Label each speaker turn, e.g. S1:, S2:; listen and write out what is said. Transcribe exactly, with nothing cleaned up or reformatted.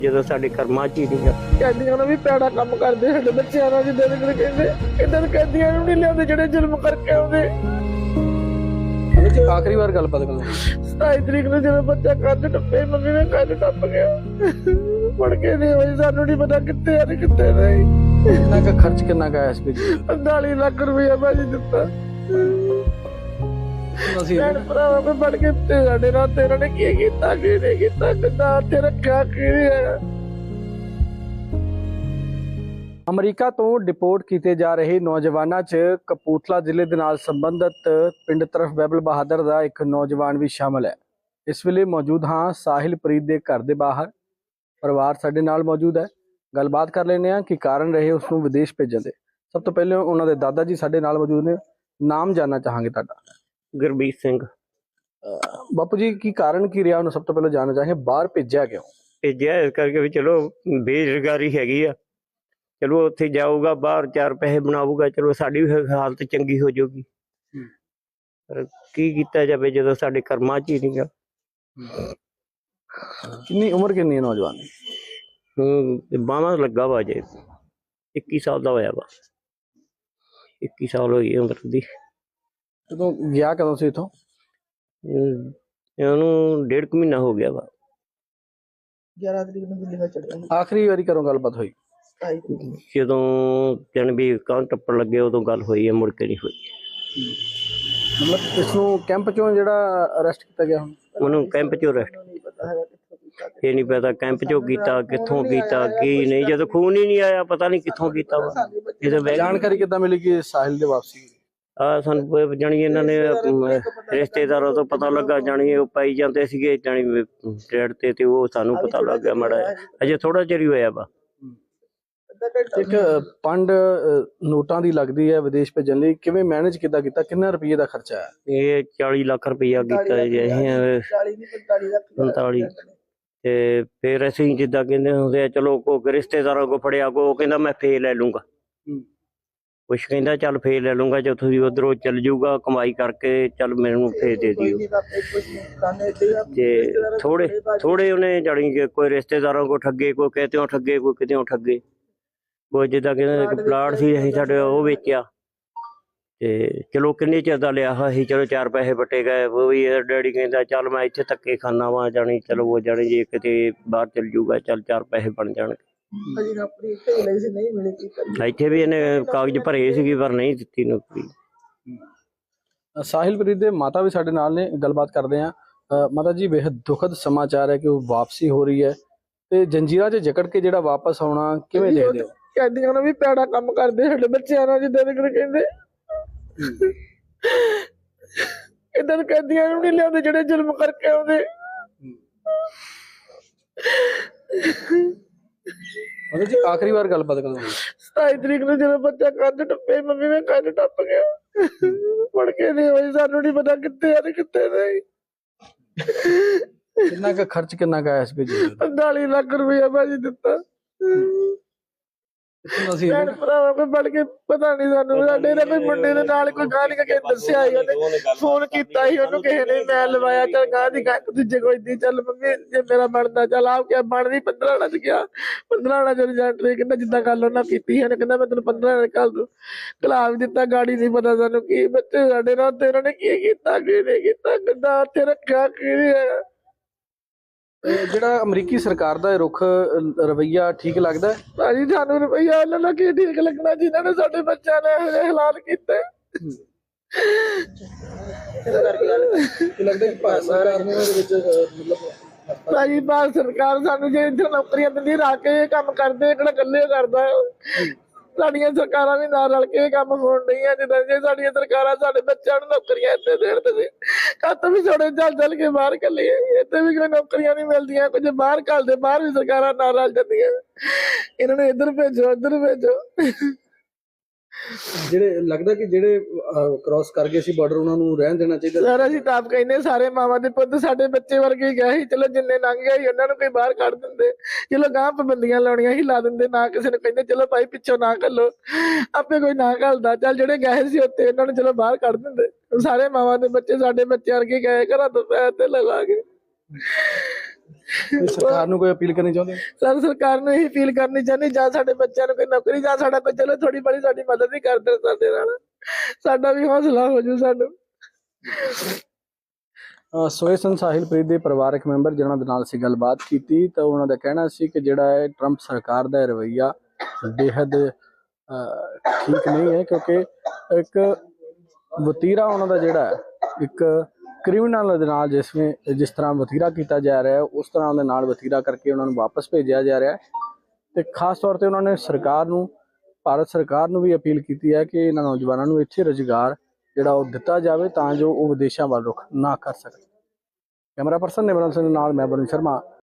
S1: ਜਦੋਂ ਸਾਡੇ ਕਰਮਾਂ 'ਚ ਹੀ ਨਹੀਂਗਾ।
S2: ਕੈਦੀਆਂ ਨੂੰ ਵੀ ਪੈੜਾ ਕੰਮ ਕਰਦੇ ਸਾਡੇ ਬੱਚਿਆਂ ਨਾਲ, ਜਿੱਦਾਂ ਦੇ ਕਹਿੰਦੇ ਇਦਾਂ ਕੈਦੀਆਂ ਨੂੰ ਨਹੀਂ ਲਿਆਉਂਦੇ ਜਿਹੜੇ ਜ਼ੁਲਮ ਕਰਕੇ ਆਉਂਦੇ।
S3: ਆਖਰੀ ਵਾਰ ਗੱਲਬਾਤ ਕਰੋ।
S2: ਸਤਾਈ ਤਰੀਕ ਨੂੰ ਜਦੋਂ ਬੱਚਾ ਕੰਧ ਟੱਪੇ, ਮੰਮੀ ਨੇ ਕੰਧ ਟੱਪ ਗਿਆ, ਮੁੜ ਕੇ ਨਹੀਂ ਹੋਈ। ਸਾਨੂੰ ਨਹੀਂ ਪਤਾ ਕਿੱਥੇ ਆ ਤੇ ਕਿੱਥੇ ਨਹੀਂ।
S3: ਕਿੰਨਾ ਕੁ ਖਰਚ ਕਿੰਨਾ ਕੁ ਆਇਆ ਇਸ ਵਿੱਚ?
S2: ਪੰਤਾਲੀ ਲੱਖ ਰੁਪਇਆ ਭਾਜੀ ਦਿੱਤਾ।
S3: ਅਸੀਂ
S2: ਭੈਣ ਭਰਾਵਾਂ ਕੋਲ ਬੜ ਕੇ ਤੇ ਸਾਡੇ ਨਾਲ ਤੇ ਇਹਨਾਂ ਨੇ ਕੀ ਕੀਤਾ, ਕੀ ਨਹੀਂ ਕੀਤਾ, ਕਿੱਦਾਂ ਉੱਥੇ ਰੱਖਿਆ, ਕੀ ਨਹੀਂ ਹੈ।
S3: ਅਮਰੀਕਾ ਤੋਂ ਡਿਪੋਰਟ ਕੀਤੇ ਜਾ ਰਹੇ ਨੌਜਵਾਨਾਂ 'ਚ ਕਪੂਰਥਲਾ ਜ਼ਿਲ੍ਹੇ ਦੇ ਨਾਲ ਸੰਬੰਧਿਤ ਪਿੰਡ ਤਰਫ ਬਹਿਬਲ ਬਹਾਦਰ ਦਾ ਇੱਕ ਨੌਜਵਾਨ ਵੀ ਸ਼ਾਮਲ ਹੈ। ਇਸ ਵੇਲੇ ਮੌਜੂਦ ਹਾਂ ਸਾਹਿਲਪ੍ਰੀਤ ਦੇ ਘਰ ਦੇ ਬਾਹਰ। ਪਰਿਵਾਰ ਸਾਡੇ ਨਾਲ ਮੌਜੂਦ ਹੈ, ਗੱਲਬਾਤ ਕਰ ਲੈਂਦੇ ਹਾਂ ਕਿ ਕਾਰਨ ਰਹੇ ਉਸ ਨੂੰ ਵਿਦੇਸ਼ ਭੇਜਣ ਦੇ। ਸਭ ਤੋਂ ਪਹਿਲੇ ਉਹਨਾਂ ਦੇ ਦਾਦਾ ਜੀ ਸਾਡੇ ਨਾਲ ਮੌਜੂਦ ਨੇ, ਨਾਮ ਜਾਨਣਾ ਚਾਹਾਂਗੇ ਤੁਹਾਡਾ।
S1: ਗੁਰਬੀਰ ਸਿੰਘ।
S3: ਬਾਪੂ ਜੀ, ਕੀ ਕਾਰਨ ਕੀ ਰਿਹਾ ਉਹਨੂੰ ਸਭ ਤੋਂ ਪਹਿਲਾਂ ਜਾਣਨਾ ਚਾਹਾਂਗੇ, ਬਾਹਰ ਭੇਜਿਆ ਕਿਉਂ?
S1: ਭੇਜਿਆ ਇਸ ਕਰਕੇ ਵੀ ਚਲੋ ਬੇਰੁਜ਼ਗਾਰੀ ਹੈਗੀ ਆ, ਚਲੋ ਉੱਥੇ ਜਾਊਗਾ, ਬਾਹਰ ਚਾਰ ਪੈਸੇ ਬਣਾਊਗਾ, ਚਲੋ ਸਾਡੀ ਵੀ ਹਾਲਤ ਚੰਗੀ ਹੋ ਜਾਊਗੀ। ਪਰ ਕੀ ਕੀਤਾ ਜਾਵੇ ਜਦੋਂ ਸਾਡੇ ਕਰਮਾਂ 'ਚ ਹੀ ਨਹੀਂਗਾ।
S3: ਕਿੰਨੀ ਉਮਰ ਕਿੰਨੀ ਹੈ ਨੌਜਵਾਨ ਦੀ?
S1: ਹੂੰ ਬਾਹਾਂ ਲੱਗਾ ਵਾ ਜੇ, ਇੱਕੀ ਸਾਲ ਦਾ ਹੋਇਆ ਵਾ, ਇੱਕੀ ਸਾਲ ਹੋਈ ਉਮਰ ਦੀ।
S3: ਕਦੋਂ ਗਿਆ, ਕਦੋਂ ਸੀ ਇੱਥੋਂ?
S1: ਉਹਨੂੰ ਡੇਢ ਕੁ ਮਹੀਨਾ ਹੋ ਗਿਆ ਵਾ।
S2: ਗਿਆਰਾਂ ਤਰੀਕ ਨੂੰ ਦਿੱਲੀ ਵਿੱਚ ਚੜਿਆ।
S3: ਆਖਰੀ ਵਾਰੀ ਕਦੋਂ ਗੱਲਬਾਤ ਹੋਈ?
S1: ਜਦੋਂ ਜਨ ਵੀ ਕਾਂ ਟੱਪਣ ਲੱਗੇ ਉਦੋਂ ਗੱਲ ਹੋਈ ਹੈ, ਮੁੜ ਕੇ ਨਹੀਂ ਹੋਈ।
S3: ਮਤਲਬ ਇਸ ਨੂੰ ਕੈਂਪ ਚੋਂ ਜਿਹੜਾ ਅਰੈਸਟ ਕੀਤਾ ਗਿਆ ਹੁਣ?
S1: ਉਹਨੂੰ ਕੈਂਪ ਚੋਂ ਅਰੈਸਟ, ਇਹ ਨਹੀਂ ਪਤਾ ਕੈਂਪ ਚੋਂ ਕੀਤਾ, ਕਿੱਥੋਂ ਕੀਤਾ, ਕੀ ਨਹੀਂ। ਜਦੋਂ ਖੂਨ ਹੀ ਨਹੀਂ ਆਇਆ, ਪਤਾ ਨਹੀਂ ਕਿੱਥੋਂ ਕੀਤਾ ਵਾ। ਇਹਦੇ
S3: ਜਾਣਕਾਰੀ ਕਿੱਦਾਂ ਮਿਲੀ ਕਿ ਸਾਹਿਲ ਦੇ ਵਾਪਸੀ?
S1: ਆ ਸਾਨੂੰ ਜਾਣੀ ਇਹਨਾਂ ਨੇ ਰਿਸ਼ਤੇਦਾਰਾਂ ਤੋਂ ਪਤਾ ਲੱਗਾ, ਜਾਣੀ ਉਹ ਪਾਈ ਜਾਂਦੇ ਸੀਗੇ ਜਾਣੀ ਟ੍ਰੇਡ ਤੇ, ਤੇ ਉਹ ਸਾਨੂੰ ਪਤਾ ਲੱਗ ਗਿਆ ਮਾੜਾ। ਅਜੇ ਥੋੜਾ ਚਿਰ ਹੀ ਹੋਇਆ ਵਾ।
S3: ਇੱਕ ਪੰਡ ਨੋਟਾਂ ਦੀ ਲੱਗਦੀ ਹੈ ਵਿਦੇਸ਼ ਭੇਜਣ ਲਈ, ਕਿਵੇਂ ਮੈਨੇਜ ਕਿੱਦਾਂ ਕੀਤਾ? ਕਿੰਨਾ ਰੁਪਏ ਦਾ ਖਰਚਾ ਹੈ?
S1: ਇਹ ਚਾਲੀ ਲੱਖ ਰੁਪਈਆ ਕੀਤਾ ਜੀ ਪੰਤਾਲੀ। ਤੇ ਫਿਰ ਅਸੀਂ ਜਿੱਦਾਂ ਕਹਿੰਦੇ ਹੁੰਦੇ ਆ, ਚਲੋ ਕੋਈ ਰਿਸ਼ਤੇਦਾਰਾਂ ਕੋ ਫੜਿਆ, ਕੋ ਉਹ ਕਹਿੰਦਾ ਮੈਂ ਫੇਰ ਲੈ ਲੂੰਗਾ, ਕੁਛ ਕਹਿੰਦਾ ਚੱਲ ਫੇਰ ਲੈ ਲੂੰਗਾ, ਜੇ ਤੁਸੀਂ ਉਧਰੋਂ ਚੱਲ ਜਾਊਗਾ ਕਮਾਈ ਕਰਕੇ, ਚੱਲ ਮੈਨੂੰ ਫੇਰ ਦੇ ਦਿਓ। ਤੇ ਥੋੜੇ ਥੋੜੇ ਉਹਨੇ ਜਾਣੀ ਕਿ ਕੋਈ ਰਿਸ਼ਤੇਦਾਰਾਂ ਕੋ ਠੱਗੇ, ਕੋਈ ਕਿਤਿਓਂ ਠੱਗੇ, ਕੋਈ ਕਿਤਿਓਂ ਠੱਗੇ। ਕੋਈ ਜਿੱਦਾਂ ਕਹਿੰਦੇ ਪਲਾਟ ਸੀ ਅਸੀਂ ਸਾਡੇ ਉਹ ਵੇਚਿਆ, ਤੇ ਚਲੋ ਕਿੰਨੇ ਚਿਰ ਦਾ ਲਿਆ ਸੀ, ਚਲੋ ਚਾਰ ਪੈਸੇ ਵੱਟੇ ਗਏ। ਉਹ ਵੀ ਡੈਡੀ ਕਹਿੰਦਾ ਚੱਲ ਮੈਂ ਇੱਥੇ ਧੱਕੇ ਖਾਨਾ ਵਾ, ਜਾਣੀ ਚਲੋ ਉਹ ਜਾਣੀ ਜੇ ਕਿਤੇ ਬਾਹਰ ਚੱਲ ਜੂਗਾ, ਚੱਲ ਚਾਰ ਪੈਸੇ ਬਣ ਜਾਣਗੇ। ਇੱਥੇ ਵੀ ਇਹਨੇ ਕਾਗਜ਼ ਭਰੇ ਸੀਗੇ ਪਰ ਨਹੀਂ ਦਿੱਤੀ ਨੌਕਰੀ।
S3: ਸਾਹਿਲਪ੍ਰੀਤ ਦੇ ਮਾਤਾ ਵੀ ਸਾਡੇ ਨਾਲ ਨੇ, ਗੱਲਬਾਤ ਕਰਦੇ ਆ। ਮਾਤਾ ਜੀ, ਬੇहद ਦੁਖਦ ਸਮਾਚਾਰ ਹੈ ਕਿ ਉਹ ਵਾਪਸੀ ਹੋ ਰਹੀ ਹੈ, ਤੇ ਜੰਜੀਰਾਂ 'ਚ ਜਕੜ ਕੇ ਜਿਹੜਾ ਵਾਪਸ ਆਉਣਾ ਕਿਵੇਂ ਦੇਖਦੇ ਹੋ?
S2: ਕੈਦੀਆਂ ਨੂੰ ਵੀ ਪੈੜਾ ਕੰਮ ਕਰਦੇ ਸਾਡੇ ਬੱਚਿਆਂ ਨਾਲ, ਜਿੱਦਾਂ ਦੇ ਕਹਿੰਦੇ ਇਦਾਂ ਕੈਦੀਆਂ ਨੂੰ ਨਹੀਂ ਲਿਆਉਂਦੇ ਜਿਹੜੇ ਜ਼ੁਲਮ ਕਰਕੇ ਆਉਂਦੇ।
S3: ਮਤਲਬ ਜੀ ਆਖਰੀ ਵਾਰ ਗੱਲਬਾਤ ਕਰੋ।
S2: ਸਤਾਈ ਤਰੀਕ ਨੂੰ ਜਦੋਂ ਬੱਚਾ ਕੰਧ ਟੱਪੇ, ਮੰਮੀ ਨੇ ਕੰਧ ਟੱਪ ਗਿਆ, ਮੁੜ ਕੇ ਨਹੀਂ ਹੋਈ। ਸਾਨੂੰ ਨਹੀਂ ਪਤਾ ਕਿੱਥੇ ਆ ਤੇ ਕਿੱਥੇ ਨਹੀਂ।
S3: ਕਿੰਨਾ ਕੁ ਖਰਚ ਕਿੰਨਾ ਕੁ ਆਇਆ ਇਸ ਵਿੱਚ?
S2: ਪੰਤਾਲੀ ਲੱਖ ਰੁਪਇਆ ਭਾਜੀ ਦਿੱਤਾ। ਭੈਣ ਭਰਾਵਾਂ ਕੋਲ ਬੜ ਕੇ ਪਤਾ ਨਹੀਂ ਸਾਨੂੰ, ਸਾਡੇ ਦਾ ਕੋਈ ਮੁੰਡੇ ਦੇ ਨਾਲ ਕੋਈ ਗਾਂ ਨਹੀਂ, ਦੱਸਿਆ ਸੀ ਉਹਨੇ, ਫੋਨ ਕੀਤਾ ਸੀ ਉਹਨੂੰ ਕਿਸੇ ਨੇ, ਮੈਂ ਲਵਾਇਆ, ਚੱਲ ਗਾਂ ਦੀ ਗਾਂ ਦੂਜੇ ਕੋਈ ਦੀ, ਚੱਲ ਮੰਮੀ ਜੇ ਮੇਰਾ ਬਣਦਾ ਚੱਲ ਆਪ ਕਿਆ ਬਣਦੀ। ਪੰਦਰਾਂ ਚ ਗਿਆ, ਪੰਦਰਾਂ ਚ ਰਿਜ਼ਲਟ ਨੇ ਕਹਿੰਦਾ ਜਿੱਦਾਂ ਗੱਲ ਉਹਨਾਂ ਕੀਤੀ ਹੈ, ਕਹਿੰਦਾ ਮੈਂ ਤੈਨੂੰ ਪੰਦਰਾਂ ਕੱਲ ਦੂ ਕਲਾ ਵੀ ਦਿੱਤਾ। ਗਾੜੀ ਨਹੀਂ ਪਤਾ ਸਾਨੂੰ ਕੀ ਬੱਚੇ ਸਾਡੇ ਨਾਲ ਤੇ ਉਹਨਾਂ ਨੇ ਕੀ ਕੀਤਾ, ਕੀ ਨਹੀਂ ਕੀਤਾ, ਕਿੱਦਾਂ ਉੱਥੇ ਰੱਖਿਆ, ਕੀ ਨਹੀਂ ਹੈ।
S3: ਜਿਹੜਾ ਅਮਰੀਕੀ ਸਰਕਾਰ ਦਾ ਰੁਖ ਰਵੱਈਆ ਠੀਕ ਲੱਗਦਾ?
S2: ਭਾਜੀ ਸਾਨੂੰ ਰਵੱਈਆ ਉਹਨਾਂ ਦਾ ਕੀ ਠੀਕ ਲੱਗਣਾ ਜਿਨ੍ਹਾਂ ਨੇ ਸਾਡੇ ਬੱਚਿਆਂ ਨੇ ਇਹੋ ਜਿਹੇ ਹਾਲਾਤ ਕੀਤੇ।
S3: ਲੱਗਦਾ ਕਿ ਭਾਰਤ ਸਰਕਾਰ ਨੇ ਉਹਦੇ ਵਿੱਚ ਮਤਲਬ
S2: ਭਾਜੀ ਭਾਰਤ ਸਰਕਾਰ ਸਾਨੂੰ ਜੇ ਇੱਥੇ ਨੌਕਰੀਆਂ ਦਿੰਦੀ, ਰੱਖ ਕੇ ਇਹ ਕੰਮ ਕਰਦੇ, ਕਿਹੜਾ ਇਕੱਲੇ ਕਰਦਾ। ਸਾਡੀਆਂ ਸਰਕਾਰਾਂ ਵੀ ਨਾਲ ਰਲ ਕੇ ਇਹ ਕੰਮ ਹੋਣ ਡਈਆਂ। ਜਿੱਦਾਂ ਜੇ ਸਾਡੀਆਂ ਸਰਕਾਰਾਂ ਸਾਡੇ ਬੱਚਿਆਂ ਨੂੰ ਨੌਕਰੀਆਂ ਇੱਥੇ ਦੇਣ, ਤੇ ਕੱਤ ਵੀ ਛੋੜੇ ਚੱਲ ਚੱਲ ਕੇ ਬਾਹਰ ਕੱਲੀਏ, ਇੱਥੇ ਵੀ ਕੋਈ ਨੌਕਰੀਆਂ ਨਹੀਂ ਮਿਲਦੀਆਂ, ਕੁਝ ਬਾਹਰ ਘੱਲਦੇ, ਬਾਹਰ ਵੀ ਸਰਕਾਰਾਂ ਨਾਲ ਰਲ ਜਾਂਦੀਆਂ। ਇਹਨਾਂ ਨੂੰ ਇੱਧਰ ਭੇਜੋ, ਇੱਧਰ ਭੇਜੋ।
S3: ਜਿਹੜੇ ਲੱਗਦਾ ਕਿ ਜਿਹੜੇ ਕ੍ਰਾਸ ਕਰ ਗਏ ਸੀ ਬਾਰਡਰ, ਉਹਨਾਂ ਨੂੰ ਰਹਿਣ ਦੇਣਾ ਚਾਹੀਦਾ।
S2: ਸਾਰਾ ਅਸੀਂ ਤਾਂ ਆਪ ਕਹਿੰਦੇ, ਸਾਰੇ ਮਾਵਾਂ ਦੇ ਪੁੱਤ ਸਾਡੇ ਬੱਚੇ ਵਰਗੇ ਹੀ ਗਏ ਸੀ, ਚਲੋ ਜਿੰਨੇ ਲੰਘ ਗਏ ਸੀ ਉਹਨਾਂ ਨੂੰ ਕੋਈ ਬਾਹਰ ਕੱਢ ਦਿੰਦੇ, ਚਲੋ ਗਾਂਹ ਪਾਬੰਦੀਆਂ ਲਾਉਣੀਆਂ ਹੀ ਲਾ ਦਿੰਦੇ, ਨਾ ਕਿਸੇ ਨੂੰ ਕਹਿੰਦੇ ਚਲੋ ਭਾਈ ਪਿੱਛੋਂ ਨਾ ਘੱਲੋ, ਆਪੇ ਕੋਈ ਨਾ ਘੱਲਦਾ। ਚੱਲ ਜਿਹੜੇ ਗਏ ਸੀ ਉੱਥੇ ਉਹਨਾਂ ਨੂੰ ਚਲੋ ਬਾਹਰ ਕੱਢ ਦਿੰਦੇ। ਸਾਰੇ ਮਾਵਾਂ ਦੇ ਬੱਚੇ ਸਾਡੇ ਬੱਚੇ ਵਰਗੇ ਗਏ, ਘਰਾਂ ਤੋਂ ਪੈਸੇ ਤੇ ਲਗਾ ਕੇ।
S3: ਤੇ ਸਰਕਾਰ ਨੂੰ ਕੋਈ ਅਪੀਲ ਕਰਨੀ ਚਾਹੁੰਦੇ ਹੋ?
S2: ਸਰ ਸਰਕਾਰ ਨੂੰ ਇਹੀ ਅਪੀਲ ਕਰਨੀ ਚਾਹੁੰਦੀ ਜਾਂ ਸਾਡੇ ਬੱਚਿਆਂ ਨੂੰ ਕੋਈ ਨੌਕਰੀ ਜਾਂ ਸਾਡਾ ਕੋਈ ਚਲੋ ਥੋੜੀ ਬੜੀ ਸਾਡੀ ਮਦਦ ਹੀ ਕਰ ਦੇਣ ਸਾਡੇ ਨਾਲ, ਸਾਡਾ ਵੀ ਹੌਸਲਾ ਹੋ ਜੂ ਸਾਨੂੰ।
S3: ਅਹ ਸੋਏ ਸਨ ਸਾਹਿਲਪ੍ਰੀਤ ਦੇ ਪਰਿਵਾਰਕ ਮੈਂਬਰ ਜਿਨ੍ਹਾਂ ਦੇ ਨਾਲ ਅਸੀਂ ਗੱਲਬਾਤ ਕੀਤੀ ਤਾਂ ਉਹਨਾਂ ਦਾ ਕਹਿਣਾ ਸੀ ਕਿ ਜਿਹੜਾ ਹੈ ਟਰੰਪ ਸਰਕਾਰ ਦਾ ਇਹ ਰਵੱਈਆ ਬੇਹੱਦ ਅਹ, ਠੀਕ ਨਹੀਂ ਹੈ, ਕਿਉਂਕਿ ਇੱਕ ਵਤੀਰਾ ਉਹਨਾਂ ਦਾ ਜਿਹੜਾ ਹੈ ਇੱਕ ਕ੍ਰਿਮੀਨਲ ਦੇ ਨਾਲ ਜਿਸਵੇਂ ਜਿਸ ਤਰ੍ਹਾਂ ਵਤੀਰਾ ਕੀਤਾ ਜਾ ਰਿਹਾ ਹੈ ਉਸ ਤਰ੍ਹਾਂ ਉਹਦੇ ਨਾਲ ਵਤੀਰਾ ਕਰਕੇ ਉਹਨਾਂ ਨੂੰ ਵਾਪਸ ਭੇਜਿਆ ਜਾ ਰਿਹਾ ਹੈ। ਤੇ ਖਾਸ ਤੌਰ ਤੇ ਉਹਨਾਂ ਨੇ ਸਰਕਾਰ ਨੂੰ, ਭਾਰਤ ਸਰਕਾਰ ਨੂੰ ਵੀ ਅਪੀਲ ਕੀਤੀ ਹੈ ਕਿ ਇਹਨਾਂ ਨੌਜਵਾਨਾਂ ਨੂੰ ਇੱਥੇ ਰੁਜ਼ਗਾਰ ਜਿਹੜਾ ਉਹ ਦਿੱਤਾ ਜਾਵੇ ਤਾਂ ਜੋ ਉਹ ਵਿਦੇਸ਼ਾਂ ਵੱਲ ਰੁਖ ਨਾ ਕਰ ਸਕਣ। ਕੈਮਰਾ ਪਰਸਨ ਨਿਮਰਨ ਸਿੰਘ ਨਾਲ ਮੈਂ ਵਰੁਣ ਸ਼ਰਮਾ,